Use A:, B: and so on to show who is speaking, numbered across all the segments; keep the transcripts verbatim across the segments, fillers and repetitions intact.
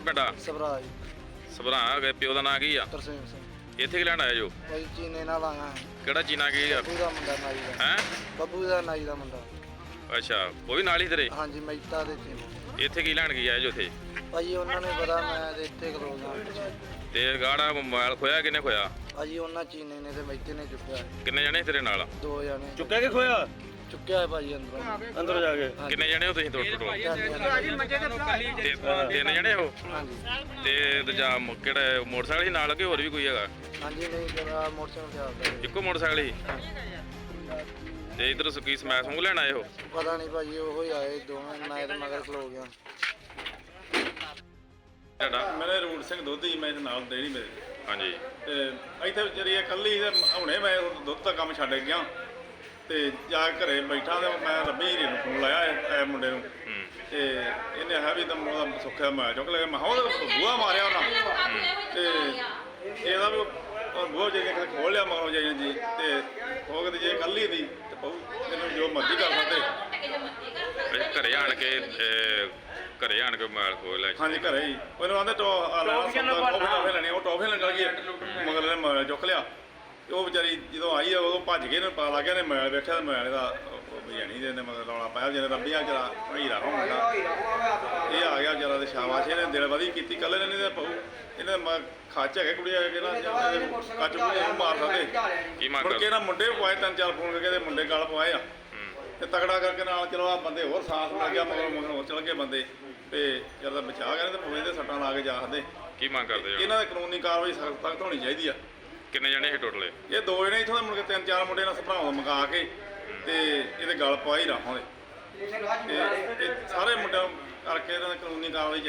A: ਪਿੰਡ ਆ?
B: ਸਭਰਾ ਜੀ।
A: ਸਭਰਾ ਗਏ ਪਿਓ ਦਾ ਨਾਂ ਕੀ ਆ?
B: ਤਰਸੇਮ ਸਿੰਘ।
A: ਇੱਥੇ ਕੀ ਲੈਣ ਆਏ ਜੋ?
B: ਭਾਈ ਚੀਨੇ ਨਾਲ ਆਇਆ
A: ਕਿਹੜਾ ਚੀਨਾ ਕੀ ਆ?
B: ਬੱਬੂ ਦਾ ਮੁੰਡਾ ਨਾਈ ਦਾ।
A: ਹੈ
B: ਬੱਬੂ ਦਾ ਨਾਈ ਦਾ ਮੁੰਡਾ।
A: ਅੱਛਾ ਉਹ ਵੀ ਨਾਲ ਹੀ ਤੇਰੇ?
B: ਹਾਂਜੀ ਮਹਿਤਾ ਦੇ ਚੀਨੇ।
A: ਇੱਥੇ ਕੀ ਲੈਣ ਗਿਆ ਜੋ ਇੱਥੇ?
B: ਭਾਜੀ ਉਹਨਾਂ ਨੇ ਪਤਾ ਮੈਂ ਤੇ ਇੱਥੇ ਖਲੋ ਗਿਆ।
A: ਤੇ ਗਾੜਾ ਮੋਬਾਈਲ ਖੋਇਆ ਕਿਨੇ ਖੋਇਆ?
B: ਭਾਜੀ ਉਹਨਾਂ ਚੀਨੇ ਨੇ ਤੇ ਮਹਿਤੇ ਨੇ ਚੁੱਕਿਆ।
A: ਕਿੰਨੇ ਜਣੇ ਤੇਰੇ ਨਾਲ?
B: ਦੋ ਜਣੇ।
C: ਚੁੱਕਿਆ ਕਿ ਖੋਇਆ?
B: ਚੁੱਕਿਆ ਹੈ ਭਾਜੀ ਅੰਦਰੋਂ।
C: ਅੰਦਰ ਜਾ ਕੇ
A: ਕਿੰਨੇ ਜਣੇ ਹੋ ਤੁਸੀਂ ਟੋਟਲ? ਤਿੰਨ ਜਣੇ ਹੋ?
B: ਹਾਂਜੀ
A: ਤੇ ਦੂਜਾ ਮ- ਕਿਹੜਾ ਮੋਟਰਸਾਈਕਲ ਸੀ ਨਾਲ ਕਿ ਹੋਰ ਵੀ ਕੋਈ ਹੈਗਾ?
B: ਹਾਂਜੀ ਨਹੀਂ ਜਰਾ ਮੋਟਰਸਾਈਕਲ ਤੇ ਆਉਂਦਾ।
A: ਇੱਕੋ ਮੋਟਰਸਾਈਕਲ ਸੀ? ਤੇ ਇਧਰ ਸੁੱਕੀ ਸਮੈਕ ਸਮੂਹ ਲੈਣ ਆਏ ਹੋ?
B: ਪਤਾ ਨਹੀਂ ਭਾਜੀ ਉਹ ਹੀ ਆਏ ਦੋਵੇਂ। ਮੈਂ ਤੇ ਮਗਰ ਖਲੋ ਗਿਆ।
A: ਤੁਹਾਡਾ?
D: ਮੇਰੇ ਰੂਟ ਸਿੰਘ ਦੋਧੀ ਮੈਂ ਇਹਦੇ ਨਾਲ ਡੇਰੀ ਮੇਰੇ
A: ਹਾਂਜੀ।
D: ਤੇ ਇੱਥੇ ਵਿਚਾਰੀ ਇਕੱਲੀ ਤੇ ਹੁਣੇ ਮੈਂ ਦੁੱਧ ਦਾ ਕੰਮ ਛੱਡ ਗਿਆ ਤੇ ਜਾ ਕੇ ਘਰੇ ਬੈਠਾ ਤੇ ਮੈਂ ਰੱਬੀ ਹੀਰੇ ਨੂੰ ਫੋਨ ਲਾਇਆ ਇਹ ਮੁੰਡੇ ਨੂੰ
A: ਹੂੰ।
D: ਤੇ ਇਹਨੇ ਆਖਿਆ ਵੀ ਤਾਂ ਉਹਦਾ ਸੁੱਖਿਆ ਮੈਂ ਚੁੱਕ ਲਿਆ। ਮੈਂ ਕਿਹਾ ਉਹਦਾ ਬੂਹਾ ਮਾਰਿਆ ਉਹਨਾਂ ਤੇ ਇਹਦਾ ਵੀ ਬੂਹਾ ਜੇ ਕਿਤੇ ਖੋਲ ਲਿਆ ਮਗਰੋਂ ਜਾਈ ਜੀ ਤੇ ਉਹ ਕਹਿੰਦੇ ਜੇ ਇਕੱਲੀ ਦੀ ਤੇ ਬਹੁ ਇਹਨੂੰ ਜੋ ਮਰਜ਼ੀ ਕਰ ਸਕਦੇ।
A: ਅੱਛਾ, ਘਰੇ ਆਣ ਕੇ ਅਹ, ਘਰੇ ਆਣ ਕੇ ਮੋਬਾਈਲ ਖੋਲ ਲਿਆ?
D: ਹਾਂਜੀ ਘਰੇ ਹੀ ਉਹਨੂੰ ਆਂਦੇ ਟੋ ਆ ਲੈਣਾ ਟੋਫੇ ਲੈਣੀ। ਉਹ ਟੋਫੇ ਲੈਣ ਗਈ ਮਗਰ ਇਹਨੇ ਮੋਬਾਈਲ ਚੁੱਕ ਲਿਆ ਤੇ ਉਹ ਵਿਚਾਰੀ ਜਦੋਂ ਆਈ ਆ ਉਦੋਂ ਭੱਜ ਕੇ ਨੇ ਪਤਾ ਲੱਗ ਗਿਆ ਨੇ ਮੋਬਾਈਲ ਵੇਖਿਆ ਤੇ ਮੋਬਾਈਲ ਦਾ ਬਿਆਨੀ ਦੇ ਨੇ ਮਗਰ ਰੌਲਾ ਪਾਇਆ ਜਿਹਨੇ ਰੱਬੀਆਂ ਜਰਾ ਹੀਰਾ ਹੋਣਾ ਇਹ ਆ ਗਿਆ ਜਰਾ ਤੇ ਸ਼ਾਬਾਸ਼ ਇਹਨੇ ਦਿਲ ਵਧੀ ਕੀਤੀ। ਕੱਲ ਇਹਨੇ ਤਾਂ ਪਊ ਇਹਨੇ ਖਾਚ ਹੈਗੇ ਕੁੜੀ ਆ ਕੇ ਨਾ ਕੱਚ ਕੁੜੀ ਨੂੰ ਮਾਰ ਸਕਦੇ।
A: ਕੀ ਮੰਗ
D: ਮੁੜ ਕੇ ਨਾ ਮੁੰਡੇ ਪਵਾਏ ਤਿੰਨ ਚਾਰ ਫੋਨ ਕਰਕੇ ਤੇ ਮੁੰਡੇ ਗਲ ਪਵਾਏ ਆ ਤੇ ਤਗੜਾ ਕਰਕੇ ਨਾਲ ਚਲੋ ਆ ਬੰਦੇ ਹੋਰ ਸਾਥ ਮਿਲ ਗਿਆ ਮਗਰ ਮਗਰ ਹੋਰ ਚਲ ਗਏ ਬੰਦੇ ਤੇ ਜਦ ਬਚਾ ਗਏ ਤੇ ਪਵੇ ਦੇ ਸੱਟਾਂ ਲਾ ਕੇ ਜਾਖਦੇ।
A: ਕੀ ਮੰਗ ਕਰਦੇ ਜੋ?
D: ਇਹਨਾਂ ਦੀ ਕਾਨੂੰਨੀ ਕਾਰਵਾਈ ਸਖਤ ਸਖਤ ਹੋਣੀ ਚਾਹੀਦੀ ਆ।
A: ਕਿੰਨੇ ਜਣੇ ਸੀ ਟੋਟਲ?
D: ਇਹ ਦੋ ਜਣੇ ਇੱਥੋਂ ਦੇ ਮੁੜ ਕੇ ਤਿੰਨ ਚਾਰ ਮੁੰਡੇ ਨਾਲ ਸਭਰਾਵਾਂ ਮੰਗਾ ਕੇ ਤੇ ਇਹਦੇ ਗਲ ਪਵਾਈ ਰਾਹਾਂ ਦੇ ਤੇ ਇਹ ਸਾਰੇ ਮੁੰਡਿਆਂ ਕਰਕੇ ਇਹਨਾਂ ਦੀ ਕਾਨੂੰਨੀ ਕਾਰਵਾਈ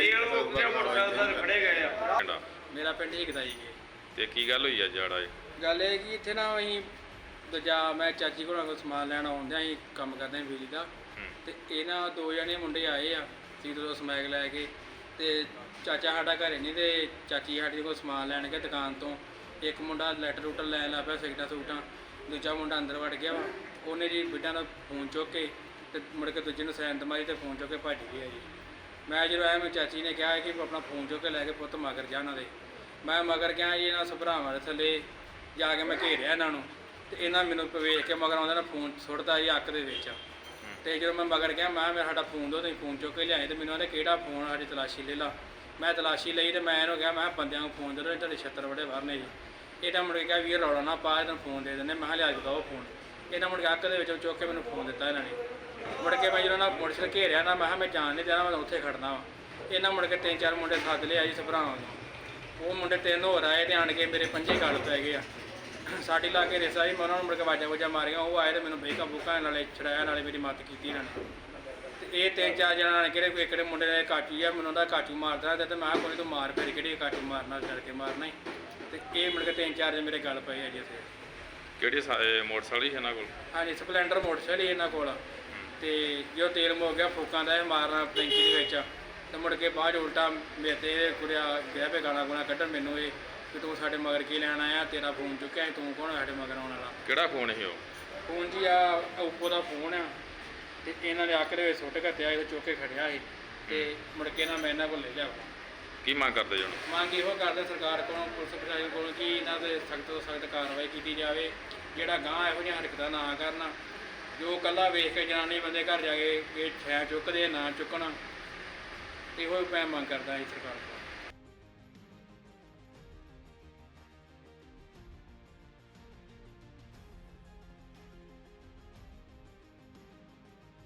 D: ਚਾਹੀਦੀ।
C: ਖੜੇ ਗਏ ਆ।
A: ਪਿੰਡਾ?
E: ਮੇਰਾ ਪਿੰਡ ਹਿਕਦਾ ਜੀ।
A: ਤੇ ਕੀ ਗੱਲ ਹੋਈ ਆ ਜਾੜਾ?
E: ਗੱਲ ਇਹ ਕਿ ਇੱਥੇ ਨਾ ਅਸੀਂ ਦੂਜਾ ਮੈਂ ਚਾਚੀ ਕੋਲੋਂ ਕੋਈ ਸਮਾਨ ਲੈਣ ਆਉਂਦੇ ਅਸੀਂ ਕੰਮ ਕਰਦੇ ਹਾਂ ਬਿਜਲੀ ਦਾ ਤੇ ਇਹਨਾਂ ਦੋ ਜਣੇ ਮੁੰਡੇ ਆਏ ਆ ਸੀ ਤੋਂ ਸਮੈਕ ਲੈ ਕੇ ਤੇ ਚਾਚਾ ਸਾਡਾ ਘਰੇ ਨਹੀਂ ਤੇ ਚਾਚੀ ਸਾਡੀ ਕੋਲ ਸਮਾਨ ਲੈਣ ਗਏ ਦੁਕਾਨ ਤੋਂ। ਇੱਕ ਮੁੰਡਾ ਲੈਟਰ ਲੂਟਰ ਲੈਣ ਲੱਗ ਪਿਆ ਸਿਗਟਾਂ ਸੂਟਾਂ। ਦੂਜਾ ਮੁੰਡਾ ਅੰਦਰ ਵੜ ਗਿਆ ਵਾ। ਉਹਨੇ ਜੀ ਬਿੱਟਾਂ ਦਾ ਫੋਨ ਚੁੱਕ ਕੇ ਤੇ ਮੁੜ ਕੇ ਦੂਜੇ ਨੂੰ ਸੈਨ ਮਾਰੀ ਤੇ ਫੋਨ ਚੁੱਕ ਕੇ ਭੱਜ ਗਿਆ ਜੀ। ਮੈਂ ਜਦੋਂ ਆਇਆ ਮੈਂ ਚਾਚੀ ਨੇ ਕਿਹਾ ਕਿ ਆਪਣਾ ਫੋਨ ਚੁੱਕ ਕੇ ਲੈ ਕੇ ਪੁੱਤ ਮਗਰ ਜਾ ਉਹਨਾਂ ਦੇ। ਮੈਂ ਮਗਰ ਗਿਆ ਜੀ ਇਹਨਾਂ ਸਭਰਾਵਾਂ ਦੇ ਥੱਲੇ ਜਾ ਕੇ ਮੈਂ ਘੇਰਿਆ ਇਹਨਾਂ ਨੂੰ ਤੇ ਇਹਨਾਂ ਮੈਨੂੰ ਵੇਖ ਕੇ ਮਗਰ ਆਉਂਦਾ ਨਾ ਫੋਨ ਸੁੱਟਦਾ ਜੀ ਅੱਖ ਦੇ ਵਿੱਚ। ਤੇ ਜਦੋਂ ਮੈਂ ਮਗਰ ਗਿਆ ਮੈਂ ਮੇਰਾ ਸਾਡਾ ਫੋਨ ਦੋ ਤੁਸੀਂ ਫੋਨ ਚੁੱਕ ਕੇ ਲਿਆਏ ਤੇ ਮੈਨੂੰ ਕਹਿੰਦੇ ਕਿਹੜਾ ਫੋਨ? ਸਾਡੀ ਤਲਾਸ਼ੀ ਲੈ ਲਾ। ਮੈਂ ਤਲਾਸ਼ੀ ਲਈ ਤੇ ਮੈਂ ਇਹਨੂੰ ਕਿਹਾ ਮੈਂ ਬੰਦਿਆਂ ਨੂੰ ਫੋਨ ਦੇ ਦਿਓ ਤੁਹਾਡੇ ਛੱਤਰ ਬੜੇ ਬਾਹਰ ਨੇ ਜੀ। ਇਹਦਾ ਮੁੜ ਕੇ ਕਿਹਾ ਵੀ ਇਹ ਰੌਲਾ ਨਾ ਪਾ ਇਹਨੂੰ ਫੋਨ ਦੇ ਦਿੰਦੇ। ਮੈਂ ਕਿਹਾ ਲਿਆ ਕੇ ਦਿਓ ਫੋਨ। ਇਹਨਾਂ ਮੁੜ ਕੇ ਅੱਖ ਦੇ ਵਿੱਚੋਂ ਚੁੱਕ ਕੇ ਮੈਨੂੰ ਫੋਨ ਦਿੱਤਾ ਇਹਨਾਂ ਨੇ। ਮੁੜ ਕੇ ਮੈਂ ਜਦੋਂ ਨਾ ਮੋਟਰਸਾਈਕਲ ਘੇਰਿਆ ਨਾ ਮੈਂ ਕਿਹਾ ਮੈਂ ਜਾਣ ਨਹੀਂ ਦੇਣਾ ਮੈਂ ਉੱਥੇ ਖੜਨਾ ਵਾ। ਇਹਨਾਂ ਮੁੜ ਕੇ ਤਿੰਨ ਚਾਰ ਮੁੰਡੇ ਸੱਦ ਲਿਆ ਜੀ ਸਭਰਾਵਾਂ ਨੂੰ। ਉਹ ਮੁੰਡੇ ਤਿੰਨ ਹੋਰ ਆਏ ਤੇ ਆਣ ਕੇ ਮੇਰੇ ਪੰਜੇ ਗਲ ਪੈ ਗਏ ਆ। ਸਾਡੀ ਲਾ ਕੇ ਰਿਸਾ ਜੀ ਮੈਂ ਉਹਨਾਂ ਨੂੰ ਮੁੜ ਕੇ ਵਾਜਾ ਵਜਾ ਮਾਰੀਆਂ। ਉਹ ਆਏ ਤੇ ਮੈਨੂੰ ਬੇਕਾ ਬੁੱਕਾ ਨਾਲੇ ਛੜਾਇਆ ਨਾਲੇ ਮੇਰੀ ਮਦਦ ਕੀਤੀ ਇਹਨਾਂ ਨੇ। ਤੇ ਇਹ ਤਿੰਨ ਚਾਰ ਜਣਾਂ ਨੇ ਕਿਹੜੇ ਕਿਹੜੇ ਮੁੰਡੇ ਨੇ ਕਾਚੂ ਆ ਮੈਨੂੰ ਉਹਦਾ ਕਾਚੂ ਮਾਰਦਾ ਤੇ ਮੈਂ ਕਿਹਾ ਕੋਈ ਤੂੰ ਮਾਰ ਫਿਰ ਕਿਹੜੀ ਕਾਚੂ ਮਾਰਨਾ ਡਰ ਕੇ ਮਾਰਨਾ ਹੀ। ਤੇ ਇਹ ਮੁੜ ਕੇ ਤਿੰਨ ਚਾਰ ਜਣੇ ਮੇਰੇ ਗੱਲ ਪਏ ਆ ਜੀ ਇੱਥੇ।
A: ਕਿਹੜੀ ਸਾ- ਇਹ ਮੋਟਰਸਾਈਕਲ ਸੀ ਇਹਨਾਂ ਕੋਲ?
E: ਹਾਂਜੀ ਸਪਲੈਂਡਰ ਮੋਟਰਸਾਈਕਲ ਇਹਨਾਂ ਕੋਲ। ਤੇ ਜੋ ਤੇਲ ਮੁੱਕ ਗਿਆ ਫੂਕਾਂ ਦਾ ਇਹ ਮਾਰਨਾ ਟੈਂਕੀ ਦੇ ਵਿੱਚ ਤੇ ਮੁੜ ਕੇ ਬਾਅਦ ਉਲਟਾ ਮੇਰੇ ਤੇ ਕੁੜਿਆ ਗਿਆ ਪੇ ਗਾਣਾ ਗੁਣਾ ਕੱਢਣ ਮੈਨੂੰ ਇਹ ਕਿ ਤੂੰ ਸਾਡੇ ਮਗਰ ਕੀ ਲੈਣ ਆਇਆ? ਤੇਰਾ ਫੋਨ ਚੁੱਕਿਆ ਤੂੰ ਕੌਣ ਸਾਡੇ ਮਗਰ ਆਉਣ ਵਾਲਾ?
A: ਕਿਹੜਾ ਫੋਨ ਸੀ ਉਹ?
E: ਫੋਨ ਜੀ ਆ ਓਪੋ ਦਾ ਫੋਨ ਆ ਤੇ ਇਹਨਾਂ ਨੇ ਅੱਖ ਦੇ ਵਿੱਚ ਸੁੱਟ ਕੇ ਤੇ ਚੁੱਕ ਕੇ ਖੜਿਆ ਸੀ ਤੇ ਮੁੜ ਕੇ ਨਾ ਮੈਂ ਇਹਨਾਂ ਕੋਲ ਲੈ ਲਿਆ।
A: ਕੀ ਮੰਗ ਕਰਦੇ ਜੋ?
E: ਮੰਗ ਇਹੋ ਕਰਦੇ ਸਰਕਾਰ ਕੋਲੋਂ ਪੁਲਿਸ ਪ੍ਰਸ਼ਾਸਨ ਕੋਲੋਂ ਕਿ ਇਹਨਾਂ ਦੇ ਸਖਤ ਤੋਂ ਸਖਤ ਕਾਰਵਾਈ ਕੀਤੀ ਜਾਵੇ। ਜਿਹੜਾ ਗਾਂਹ ਇਹੋ ਜਿਹੀਆਂ ਹਰਕਤਾਂ ਨਾ ਕਰਨ। ਜੋ ਕੱਲਾ ਵੇਖ ਕੇ ਜਨਾਨੀ ਬੰਦੇ ਘਰ ਜਾ ਕੇ ਇਹ ਛੈ ਚੁੱਕਦੇ ਨਾ ਚੁੱਕਣ। ਇਹੋ ਮੈਂ ਮੰਗ ਕਰਦਾ ਜੀ ਸਰਕਾਰ ਕੋਲ।